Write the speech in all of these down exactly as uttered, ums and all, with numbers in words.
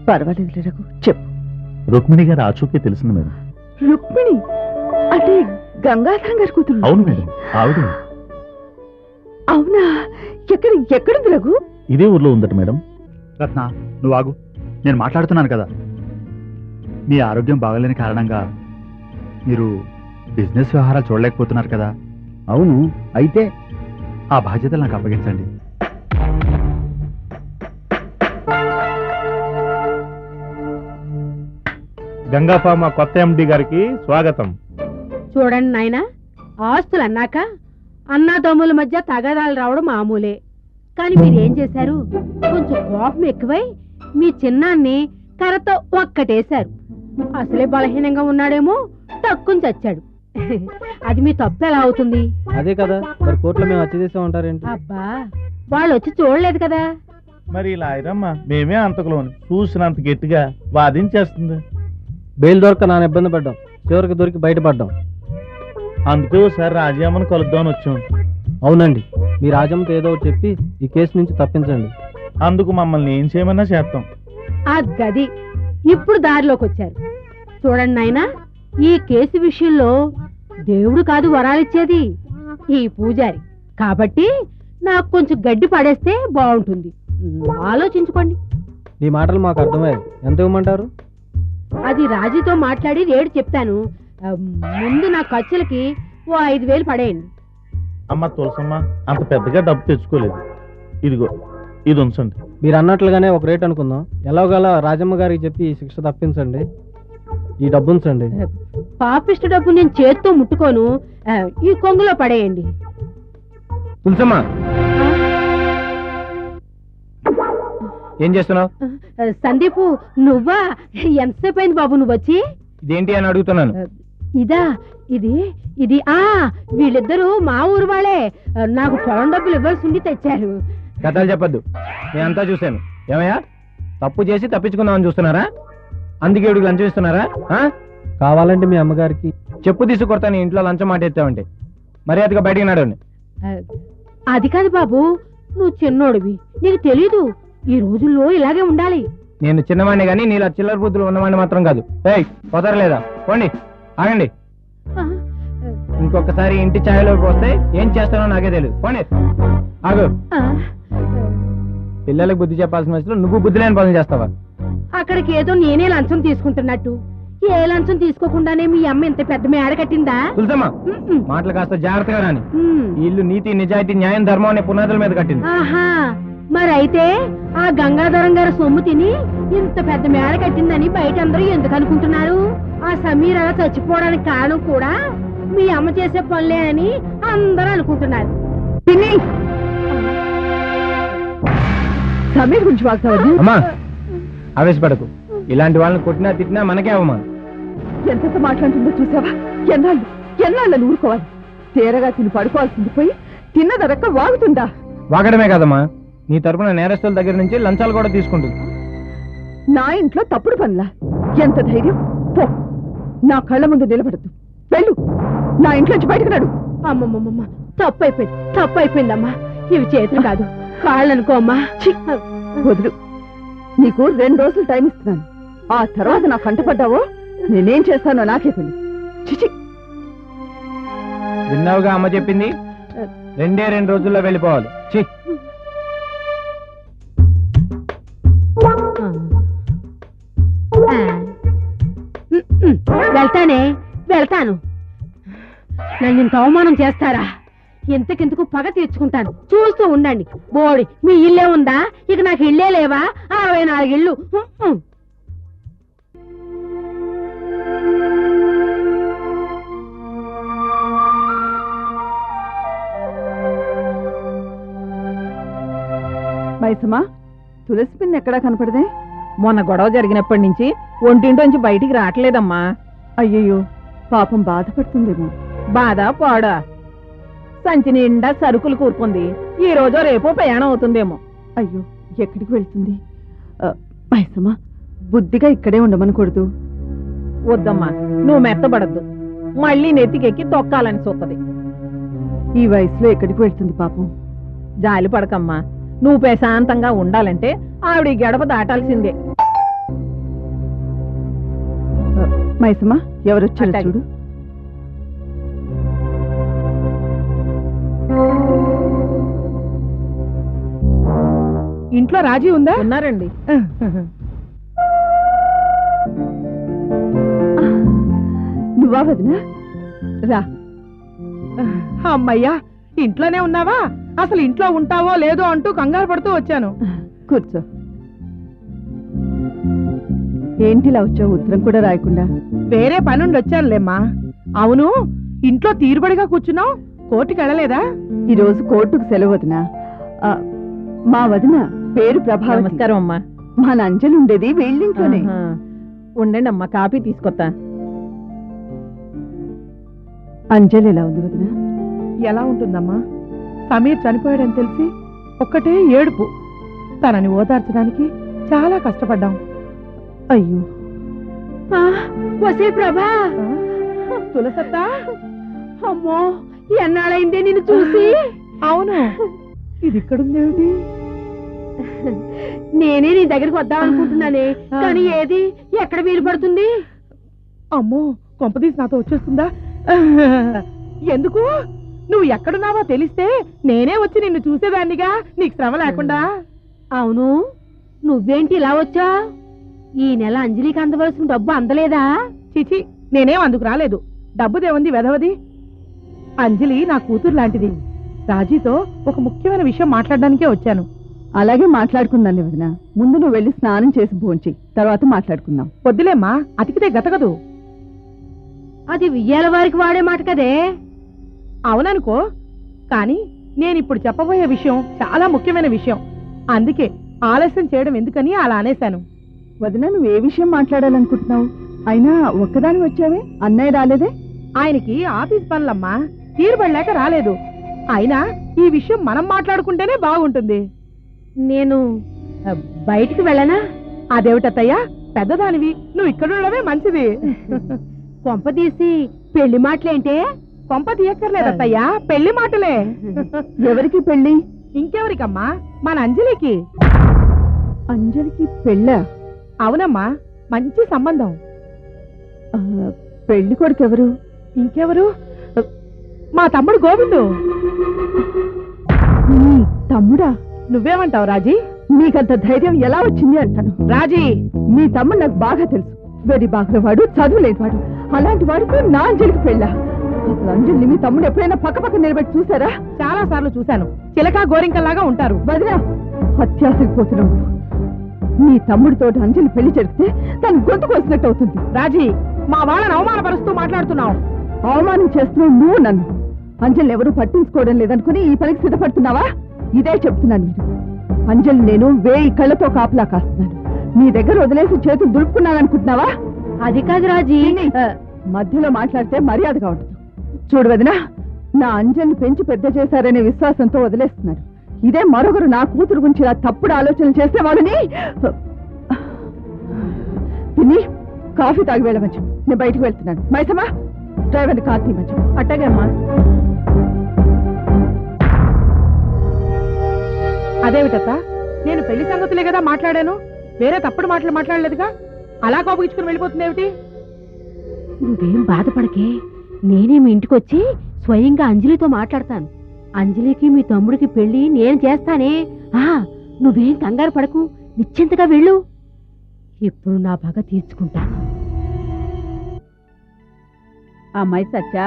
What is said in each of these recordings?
పర్వాలేదు రఘు, చెప్పు. రుక్మిణి గారు ఆచూకే తెలిసింది మేడం. రుక్మిణి అంటే గంగాధరం గారి కూతురు? అవును మేడం, ఆవిడ. అవునా? ఎక్కడ ఎక్కడుంది రఘు? ఇదే ఊర్లో ఉందట మేడం. రత్న, నువ్వు ఆగు, నేను మాట్లాడుతున్నాను కదా. మీ ఆరోగ్యం బాగలేని కారణంగా మీరు బిజినెస్ వ్యవహారాలు చూడలేకపోతున్నారు కదా. అవును, అయితే ఆ బాధ్యతలు నాకు అప్పగించండి. గంగా ఫార్మా కొత్త ఎండి గారికి స్వాగతం. చూడండి నాయనా, ఆస్తులు అన్నాక అన్నాదమ్ముల మధ్య తగాదాలు రావడం మామూలే. కానీ మీరేం చేశారు? కొంచెం కోపం ఎక్కువై మీ చిన్నాన్ని కర్రతో ఒక్కటేశారు. అసలే బలహీనంగా ఉన్నాడేమో, తక్కువ చచ్చాడు. అది మీ తప్పు ఎలా అవుతుంది? అదే కదా మరి కోర్టులో మేము వచ్చి చేసా ఉంటారేంటి? అబ్బా, వాళ్ళు వచ్చి చూడలేదు కదా. మరి ఇలా అయిరమ్మా, మేమే అంతకులోని చూసినంత గట్టిగా వాదించేస్తుంది. బెయిల్ దొరక నాన్న ఇబ్బంది పడ్డాం, చివరికి దొరికి బయటపడ్డాం. అందుకే ఒకసారి రాజీయమ్మని కలుద్దామని వచ్చాం. అవునండి, మీ రాజమ్మతో ఏదో ఒకటి చెప్పి ఈ కేసు నుంచి తప్పించండి. అందుకు మమ్మల్ని ఏం చేయమన్నా చేస్తాం. ఆ గది ఇప్పుడు దారిలోకి వచ్చారు. చూడండి నాయనా, ఈ కేసు విషయంలో దేవుడు కాదు వరాలిచ్చేది, ఈ పూజారి. కాబట్టి నాకు కొంచెం గడ్డి పడేస్తే బాగుంటుంది. ఆలోచించుకోండి. నీ మాటలు మాకు అర్థమయ్యాయి. ఎంత ఇవ్వమంటారు? అది రాజీతో మాట్లాడి రేటు చెప్తాను. ముందు నా ఖర్చులకి ఓ ఐదు వేలు పడేయండి. అమ్మ తులసమ్మ, అంత పెద్దగా డబ్బు తెచ్చుకోలేదు. ఇదిగో ఇది ఉంచండి. మీరు అన్నట్లుగానే ఒక రేట్ అనుకుందాం. ఎలాగోలా రాజమ్మ గారికి చెప్పి ఈ శిక్ష తప్పించండి. ఈ డబ్బు ఉంచండి. పాపిష్టి డబ్బు నేను చేత్తో ముట్టుకోను, ఈ కొంగులో పడేయండి. తులసమ్మ, ఏం చేస్తున్నావు? సందీపు, నువ్వా? ఎంతసేపు అయింది బాబు నువ్వు వచ్చి? ఇదేంటి అని అడుగుతున్నాను. ఇదా? ఇది ఇది ఆ వీళ్ళిద్దరూ మా ఊరు వాళ్ళే. నాకు పొలం డబ్బులు ఇవ్వాల్సి ఉండి తెచ్చారు. కథలు చెప్పద్దు, నేనంతా చూశాను. ఏమయ్యా, తప్పు చేసి తప్పించుకుందామని చూస్తున్నారా? అందుకే వీడికి లంచం ఇస్తున్నారా? కావాలంటే మీ అమ్మగారికి చెప్పు తీసుకొడతాను. ఇంట్లో లంచం మాట ఎత్తావంటే మర్యాదగా బయటికి నడవండి. అది కాదు బాబు, నువ్వు చిన్నోడివి, నీకు తెలీదు. ఈ రోజుల్లో ఇలాగే ఉండాలి. నేను చిన్నవాడిని గానీ నీలా చిల్లర బుద్ధులు ఉన్నవాడిని మాత్రం కాదు. ఏయ్, పోతారలేదా? పోండి, ఆగండి. ఇంకొకసారి ఇంటి ఛాయలోకి వస్తే ఏం చేస్తానో నాకే తెలియదు. పోండి, ఆగు. పిల్లలకు బుద్ధి చెప్పాల్సిన వయసులో నువ్వు బుద్ధి లేని పనులు చేస్తావా? అక్కడికి ఏదో నేనే లంచం తీసుకుంటున్నట్టు. ఏ లంచం తీసుకోకుండానే మీ అమ్మ ఇంత పెద్ద మేడ కట్టిందా? తులసమ్మా, మాటలు కాస్త జాగ్రత్తగా రాని. ఈ ఇల్లు నీతి, నిజాయితీ, న్యాయం, ధర్మం అనే పునాదుల మీద కట్టింది. ఆహా, మరైతే ఆ గంగాధరం గారి సొమ్ము తిని ఇంత పెద్ద మేడ కట్టిందని బయట అందరూ ఎందుకు అనుకుంటున్నారు? ఆ సమీర అలా చచ్చిపోవడానికి కారణం కూడా మీ అమ్మ చేసే పనులే అని అందరూ అనుకుంటున్నారు. సమీర్ గురించి వాగుతావా? అమ్మా, ఆవేశపడకు. ఇలాంటి వాళ్ళని కొట్టినా తిట్టినా మనకే అవమానం. ఎంతెంత మాట్లాడుతుందో చూసావా? ఎన్నాళ్ళు ఎన్నాళ్ళని ఊరుకోవాలి? తేరగా తిని పడుకోవాల్సింది పోయి తిన్నదరక్క వాగుతుందా? వాగడమే కదమ్మా, నీ తరపున నేరస్తుల దగ్గర నుంచి లంచాలు కూడా తీసుకుంటుంది. నా ఇంట్లో తప్పుడు పనులా? ఎంత ధైర్యం! పో, నా కళ్ళ ముందు నిలబడద్దు. వెళ్ళు, నా ఇంట్లోంచి బయటకు నడు. అమ్మమ్మమ్మ, తప్పు అయిపోయింది, తప్పు అయిపోయిందమ్మా. ఇవి చేతులు కాదు, కాళ్ళు అనుకో అమ్మా. వదులు, నీకు రెండు రోజులు టైం ఇస్తున్నాను. ఆ తర్వాత నా కంటపడ్డావో నేనేం చేస్తానో నాకే తెలియదు. చిచి, విన్నావుగా అమ్మ చెప్పింది? రెండే రెండు రోజుల్లో వెళ్ళిపోవాలి. చి వెళ్తానే, వెళ్తాను. నన్ను ఇంత అవమానం చేస్తారా? ఇంతకింతకు పగ తీర్చుకుంటాను, చూస్తూ ఉండండి. బోడి మీ ఇల్లే ఉందా? ఇక నాకు ఇల్లే లేవా? అరవై నాలుగు ఇళ్ళు. మైసమ్మా, తులసి పిన్ని ఎక్కడా కనపడదే? మొన్న గొడవ జరిగినప్పటి నుంచి ఒంటింటోంచి బయటికి రావట్లేదమ్మా. అయ్యయ్యో, పాపం బాధపడుతుందేమో. బాధ పాడా, సంచి నిండా సరుకులు కూరుకుంది. ఈ రోజో రేపో ప్రయాణం అవుతుందేమో. అయ్యో, ఎక్కడికి వెళ్తుంది? మైసమ్మా, బుద్ధిగా ఇక్కడే ఉండమనకూడదు. వద్దమ్మా, నువ్వు మెత్తబడద్దు. మళ్ళీ నెత్తికెక్కి తొక్కాలని చూస్తుంది. ఈ వయసులో ఎక్కడికి వెళ్తుంది పాపం? జాలి పడకమ్మా, నువ్వు ప్రశాంతంగా ఉండాలంటే ఆవిడ గడప దాటాల్సిందే. మైసమ్మ ఎవరొచ్చారో అట్టాగే. చూడు. ఇంట్లో రాజీ ఉందా? ఉన్నారండి. నువ్వా వదినా? రా. అమ్మయ్యా, ఇంట్లోనే ఉన్నావా? అసలు ఇంట్లో ఉంటావో లేదో అంటూ కంగారు పడుతూ వచ్చాను. కూర్చో. ఏంటిలా వచ్చావు ఉత్తరం కూడా రాయకుండా? వేరే పనుండి వచ్చానులేమ్మా. అవును, ఇంట్లో తీరుబడిగా కూర్చున్నావు, కోర్టుకి వెళ్ళలేదా? ఈ రోజు కోర్టుకు సెలవు వదినా. ఆ, మా వదిన పేరు ప్రభావతి. నమస్కారం అమ్మా. మన అంజలి ఉండేది వీళ్ళింట్లోనే. ఆహా. ఉండండి అమ్మా, కాఫీ తీసుకొస్తా. అంజలి ఎలా ఉంది వదినా? ఎలా ఉంటుందమ్మా? సమీర్ చనిపోయాడని తెలిసి ఒక్కటే ఏడుపు. తనని ఓదార్చడానికి చాలా కష్టపడ్డాం. అయ్యో, వసే ప్రభా, తులసత్తా, అమ్మో ఎన్నాళ్ళైందే నిన్ను చూసి. అవును, ఇది ఇక్కడుందేమిటి? నేనే నీ దగ్గరికి వద్దాం అనుకుంటున్నానే, కానీ ఏది ఎక్కడ వీలు పడుతుంది? అమ్మో, కొంపదీసి నాతో వచ్చేస్తుందా? ఎందుకు? నువ్వు ఎక్కడున్నావో తెలిస్తే నేనే వచ్చి నిన్ను చూసేదాన్నిగా, నీకు శ్రమ లేకుండా. అవును, నువ్వేంటి ఇలా వచ్చా? ఈ నెల అంజలికి అందవలసిన డబ్బు అందలేదా? చిచి, నేనేం అందుకు రాలేదు. డబ్బుదేముంది వెధవది. అంజలి నా కూతురు లాంటిది. రాజీతో ఒక ముఖ్యమైన విషయం మాట్లాడడానికే వచ్చాను. అలాగే మాట్లాడుకుందాం వదినా. ముందు నువ్వు వెళ్ళి స్నానం చేసి భోంచి, తర్వాత మాట్లాడుకుందాం. వద్దులేమ్మా, అతికితే గతకదు. అది వియ్యాల వారికి వాడే మాట కదే. అవుననుకో, కానీ నేనిప్పుడు చెప్పబోయే విషయం చాలా ముఖ్యమైన విషయం. అందుకే ఆలస్యం చేయడం ఎందుకని అలా అనేశాను. వదినా, నువ్వు ఏ విషయం మాట్లాడాలనుకుంటున్నావు? అయినా ఒక్కదాని వచ్చావే, అన్నయ్య రాలేదే? ఆయనకి ఆఫీస్ పనులమ్మా, తీరుబడలేక రాలేదు. అయినా ఈ విషయం మనం మాట్లాడుకుంటేనే బాగుంటుంది. నేను ఆ, బయటికి వెళ్ళనా? అదేమిటత్తయ్యా, పెద్దదానివి, నువ్వు ఇక్కడుండవే మంచిది. కొంప తీసి పెళ్లి మాటలేంటే? కొంప తీయక్కర్లేదత్తయ్యా, పెళ్లి మాటలే. ఎవరికి పెళ్లి? ఇంకెవరికమ్మా, మన అంజలికి. అంజలికి పెళ్ళా? అవునమ్మా, మంచి సంబంధం. ఆ, పెళ్లి కొడుకు ఎవరు? ఇంకెవరు? మా తమ్ముడు గోవిందు. నీ తమ్ముడా? నువ్వేమంటావు రాజీ? నీకంత ధైర్యం ఎలా వచ్చింది అంటాను. రాజీ, నీ తమ్ముడు నాకు బాగా తెలుసు. వెరీ బాగా వాడు, చదువులేనివాడు. అలాంటి వాడితో నా అంజలికి పెళ్ళా? అసలు అంజలిని మీ తమ్ముడు ఎప్పుడైనా పక్క పక్క నిలబెట్టి చూసారా? చాలా సార్లు చూశాను. చిలక గోరింకల్లాగా ఉంటారు. వదినా, అత్యాశకు పోతున్నావు. నీ తమ్ముడితో అంజలి పెళ్లి జరిగితే తను గొంతు కోసినట్టు అవుతుంది. రాజీ, మా వాళ్ళని అవమానపరుస్తూ మాట్లాడుతున్నావు. అవమానం చేస్తున్నావు నువ్వు నన్ను. అంజలిని ఎవరూ పట్టించుకోవడం లేదనుకుని ఈ పనికి సిద్ధపడుతున్నావా? ఇదే చెప్తున్నాను మీరు. అంజలి నేను వేయి కళ్ళతో కాపలా కాస్తున్నాను. నీ దగ్గర వదిలేసి చేతులు దులుపుకున్నాననుకుంటున్నావా? అది కాదు రాజీ. ఆ, మధ్యలో మాట్లాడితే మర్యాదగా ఉండదు. చూడు వదినా, నా అంజలిని పెంచి పెద్ద చేశారనే విశ్వాసంతో వదిలేస్తున్నారు. ఇదే మరొకరు నా కూతురు గురించి ఇలా తప్పుడు ఆలోచనలు చేస్తే వాళ్ళని తిని కాఫీ తాగి వెళ్ళవచ్చు. నేను బయటకు వెళ్తున్నాను. మైసమ్మా, డ్రైవర్ని కార్ తీయవచ్చు. అట్టగే అమ్మా. అదేమిటత్త, నేను పెళ్లి సంగతులే కదా మాట్లాడాను, వేరే తప్పుడు మాటలు మాట్లాడలేదుగా. అలా కోపగించుకుని వెళ్ళిపోతుందేమిటి? నువ్వేం బాధపడకే, నేనే మీ ఇంటికి వచ్చి స్వయంగా అంజలితో మాట్లాడతాను. అంజలికి మీ తమ్ముడికి పెళ్లి నేను చేస్తానే. ఆ నువ్వేం కంగారు పడకు, నిశ్చింతగా వెళ్ళు. ఇప్పుడు నా పగ తీర్చుకుంటాను. అమ్మాయి సచ్చా?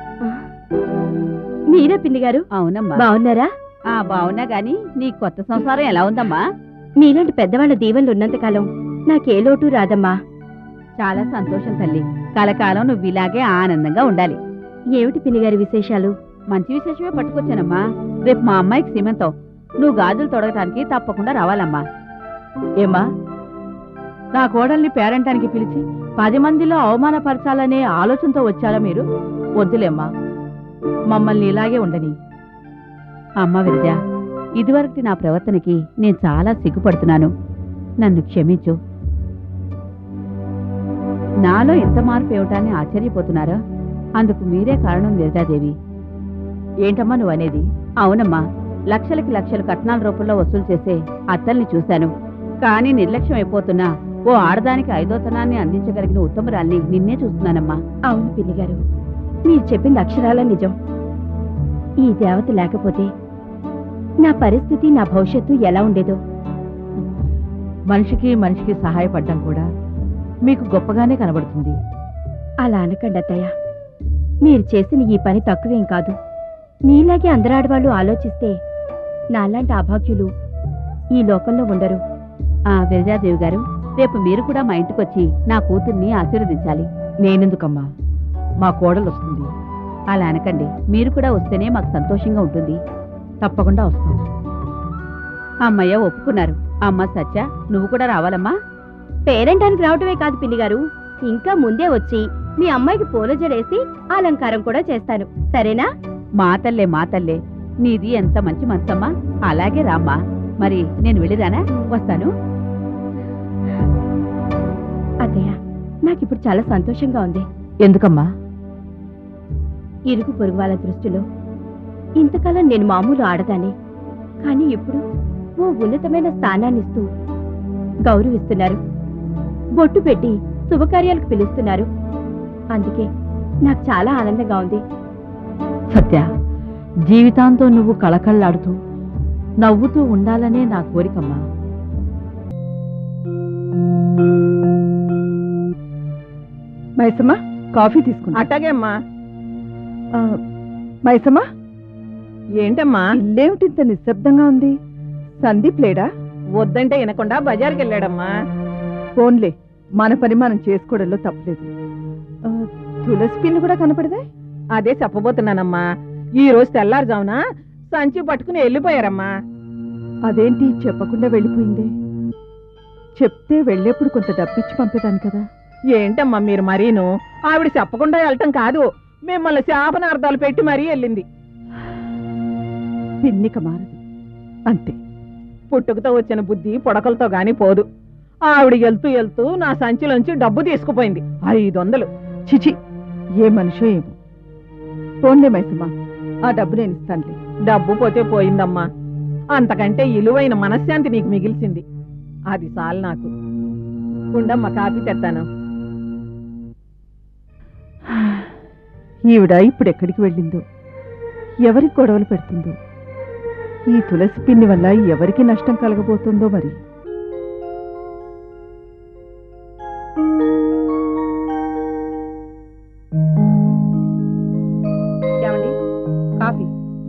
మీరే పిన్ని గారు? అవునమ్మా. బాగున్నారా? ఆ బావున్నా గాని నీ కొత్త సంసారం ఎలా ఉందమ్మా? మీలాంటి పెద్దవాళ్ళ దీవెనలు ఉన్నంతకాలం నాకే లోటు రాదమ్మా. చాలా సంతోషం తల్లి. కలకాలం నువ్వు ఇలాగే ఆనందంగా ఉండాలి. ఏమిటి పిన్నిగారి విశేషాలు? మంచి విశేషమే పట్టుకొచ్చానమ్మా. రేపు మా అమ్మాయికి సీమంతం. నువ్వు గాజులు తొడగటానికి తప్పకుండా రావాలమ్మా. ఏమ్మా, నా కోడల్ని పేరంటానికి పిలిచి పది మందిలో అవమానపరచాలనే ఆలోచనతో వచ్చారా మీరు? వద్దులేమ్మా, మమ్మల్ని ఇలాగే ఉండని. అమ్మ విద్య, ఇదివరకు నా ప్రవర్తనకి నేను చాలా సిగ్గుపడుతున్నాను. నన్ను క్షమించు. నాలో ఇంత మార్పు ఏమిటాన్ని ఆశ్చర్యపోతున్నారా? అందుకు మీరే కారణం విరజాదేవి. ఏంటమ్మా నువ్వు అనేది? అవునమ్మా, లక్షలకి లక్షలు కట్నాల రూపంలో వసూలు చేసే అత్తల్ని చూశాను. కానీ నిర్లక్ష్యం అయిపోతున్నా ఓ ఆడదానికి ఐదోతనాన్ని అందించగలిగిన ఉత్తమరాల్ని నిన్నే చూస్తున్నానమ్మా. అవును పిన్ని గారు, మీరు చెప్పింది అక్షరాల నిజం. ఈ దేవత లేకపోతే నా పరిస్థితి, నా భవిష్యత్తు ఎలా ఉండేదో. మనిషికి మనిషికి సహాయపడ్డం కూడా మీకు గొప్పగానే కనబడుతుంది. అలా అనకండి అత్తయ్య. మీరు చేసిన ఈ పని తక్కువేం కాదు. మీలాగే అందరాడవాళ్ళు ఆలోచిస్తే నాలాంటి అభాగ్యులు ఈ లోకంలో ఉండరు. ఆ విరజాదేవి గారు, రేపు మీరు కూడా మా ఇంటికొచ్చి నా కూతుర్ని ఆశీర్వదించాలి. నేనెందుకమ్మా, మా కోడలు వస్తుంది. అలా అనకండి, మీరు కూడా వస్తేనే మాకు సంతోషంగా ఉంటుంది. తప్పకుండా వస్తాం. అమ్మయ్య ఒప్పుకున్నారు. అమ్మ సత్య, నువ్వు కూడా రావాలమ్మా. పేరెంటానికి రావటమే కాదు పిన్ని గారు, ఇంకా ముందే వచ్చి మీ అమ్మాయికి పూల జడేసి అలంకారం కూడా చేస్తాను. సరేనా? మా తల్లే మా తల్లే, నీది ఎంత మంచి మనసమ్మా. అలాగే రామ్మా. మరి నేను వెళ్ళిరానా? వస్తాను. అత్తయ్య, నాకిప్పుడు చాలా సంతోషంగా ఉంది. ఎందుకమ్మా? ఇరుగు పొరుగు వాళ్ళ దృష్టిలో ఇంతకాలం నేను మామూలు ఆడదాన్ని, కానీ ఇప్పుడు ఓ ఉన్నతమైన స్థానాన్నిస్తూ గౌరవిస్తున్నారు. బొట్టు పెట్టి శుభకార్యాలకు పిలుస్తున్నారు. అందుకే నాకు చాలా ఆనందంగా ఉంది. సత్య, జీవితాంతం నువ్వు కళకళ్ళాడుతూ నవ్వుతూ ఉండాలనే నా కోరికమ్మా. మైసమ్మ, కాఫీ తీసుకున్నా. అట్టాగే అమ్మా. మైసమ్మ, ఏంటమ్మా? ఇల్లేమిటి ఇంత నిశ్శబ్దంగా ఉంది? సందీప్ లేడా? వద్దంటే వినకుండా బజార్కి వెళ్ళాడమ్మా. ఫోన్లే, మన పని మనం చేసుకోవడంలో తప్పలేదు. ఆ, తులసి పిన్ని కూడా కనపడదే? అదే చెప్పబోతున్నానమ్మా. ఈ రోజు తెల్లారుజామున సంచి పట్టుకుని వెళ్ళిపోయారమ్మా. అదేంటి చెప్పకుండా వెళ్ళిపోయిందే? చెప్తే వెళ్ళేప్పుడు కొంత డబ్బిచ్చి పంపేదాన్ని కదా. ఏంటమ్మా మీరు మరీను? ఆవిడ చెప్పకుండా వెళ్ళటం కాదు, మిమ్మల్ని శాపనార్థాలు పెట్టి మరీ వెళ్ళింది. పిన్నిక మారదు, అంతే. పుట్టుకతో వచ్చిన బుద్ధి పొడకలతో గాని పోదు. ఆవిడ వెళ్తూ వెళ్తూ నా సంచిలోంచి డబ్బు తీసుకుపోయింది, ఐదు వందలు. చిచి, ఏ మనిషో ఏమో. ఫోన్లే మైసమ్మ, ఆ డబ్బు నేను ఇస్తానులే. డబ్బు పోతే పోయిందమ్మా, అంతకంటే విలువైన మనశ్శాంతి నీకు మిగిల్చింది. అది చాలు నాకు. ఉండమ్మ, కాఫీ తెస్తాను. ఈవిడ ఇప్పుడు ఎక్కడికి వెళ్ళిందో, ఎవరికి గొడవలు పెడుతుందో, ఈ తులసి పిన్ని వల్ల ఎవరికి నష్టం కలగబోతుందో మరి. కాఫీ.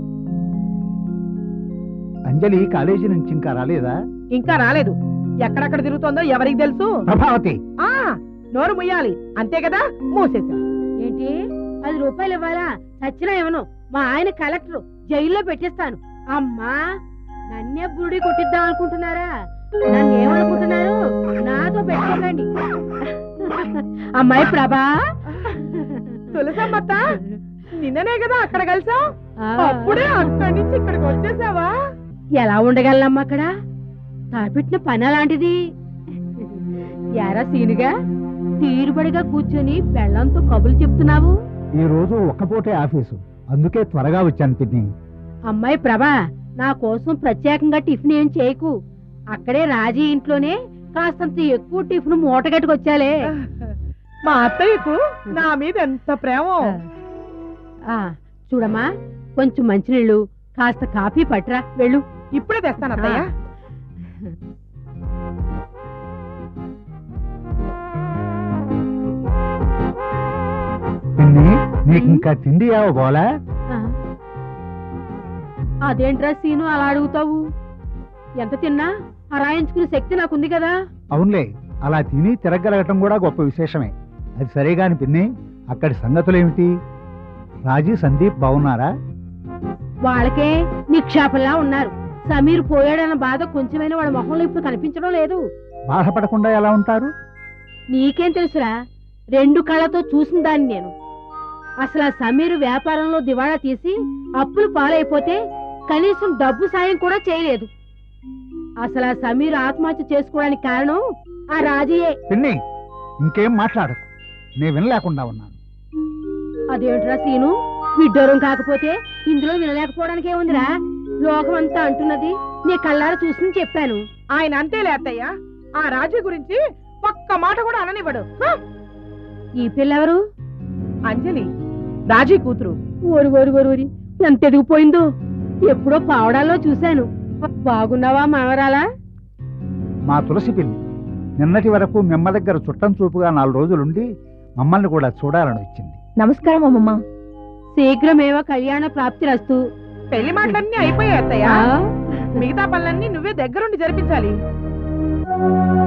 అంజలి కాలేజీ నుంచి ఇంకా రాలేదా? ఇంకా రాలేదు. ఎక్కడెక్కడ తిరుగుతోందో ఎవరికి తెలుసు? ప్రభావతి, ఆ నోరు ముయ్యాలి, అంతే కదా. మూసేసా. ఏంటి? పది రూపాయలు ఇవ్వాలా? చచ్చినా ఏమను, మా ఆయన కలెక్టర్, జైల్లో పెట్టేస్తాను. అమ్మా, నన్నే బుడి కొట్టిద్దాం అనుకుంటున్నారా? నన్ను ఏమనుకుంటున్నారు? నాతో పెట్టుకోకండి. అమ్మాయి ప్రభా, తులసమ్మత్త, నిన్ననే కదా అక్కడ కలిసాం, అప్పుడే అక్కడి నుంచి ఇక్కడికి వచ్చేసావా? ఎలా ఉండగలనమ్మా అక్కడ? తాపెట్టిన పని అలాంటిది. ఎరా సీనుగా తీరుబడిగా కూర్చొని పెళ్ళంతో కబులు చెప్తున్నావు? ఈ రోజు ఒక్కపోతే ఆఫీసు, అందుకే త్వరగా వచ్చాను పిన్ని. అమ్మాయి ప్రభా, నా కోసం ప్రత్యేకంగా టిఫిన్ ఏం చేయకు. అక్కడే రాజీ ఇంట్లోనే కాస్తంత ఎక్కువ టిఫిన్ మూటగట్టుకొచ్చాలే. మా అత్తయ్యకు నా మీద ఎంత ప్రేమ. ఆ చూడమ్మా, కొంచెం మంచినీళ్ళు, కాస్త కాఫీ పట్టురా, వెళ్ళు. ఇప్పుడే తెస్తాను అత్తయ్య. పిన్ని, నీకు ఇంకా తిండి ఏవోలా? అదేంట్రా సీను అలా అడుగుతావు? ఎంత తిన్నా అరాయించుకునే శక్తి నాకుంది కదా. అవునులే, అలా తిని తిరగలగటం కూడా గొప్ప విశేషమే. అది సరేగాని పిన్ని, అక్కడి సంగతులేమిటి? రాజీ, సందీప్ బాగున్నారా? వాళ్ళకే నిక్షేపంలా ఉన్నారు. సమీర్ పోయాడన్న బాధ కొంచెమైనా వాళ్ళ మొహంలో ఇప్పుడు కనిపించడం లేదు. బాధపడకుండా ఎలా ఉంటారు? నీకేం తెలుసురా, రెండు కళ్ళతో చూసిన దాన్ని నేను. అసలు ఆ సమీర్ వ్యాపారంలో దివాళా తీసి అప్పులు పాలైపోతే కనీసం డబ్బు సాయం కూడా చేయలేదు. అసలు ఆ సమీర్ ఆత్మహత్య చేసుకోవడానికి కారణం ఆ రాజీయే. పిన్ని, ఇంకేం మాట్లాడకు, నేను వినలేకుండా ఉన్నాను. అదేంట్రా సీను, విడ్డూరం కాకపోతే ఇందులో వినలేకపోవడానికి ఏముందిరా? లోకం అంతా అంటున్నది, నీ కళ్ళారా చూసి చెప్పాను. ఆయన అంతేలే అత్తయ్య. ఆ రాజు గురించి ఒక్క మాట కూడా అననివ్వడు హ! ఈ పిల్లెవరు? అంజలి రాజీ కూతురు. ఓరి ఓరి ఓరి ఓరి ఎంత ఎదిగిపోయిందో. ఎప్పుడో పావడాల్లో చూశాను. బాగున్నావా మనవరాలా? మా తులసి పిల్లి నిన్నటి వరకు మిమ్మ దగ్గర చుట్టం చూపుగా నాలుగు రోజులుండి మమ్మల్ని కూడా చూడాలని వచ్చింది. నమస్కారం అమ్మమ్మ. శీఘ్రమేవో కళ్యాణ ప్రాప్తి రస్తు. పెళ్లి మాటలన్నీ అయిపోయాయి అత్తయ్య. మిగతా పనులన్నీ నువ్వే దగ్గరుండి జరిపించాలి.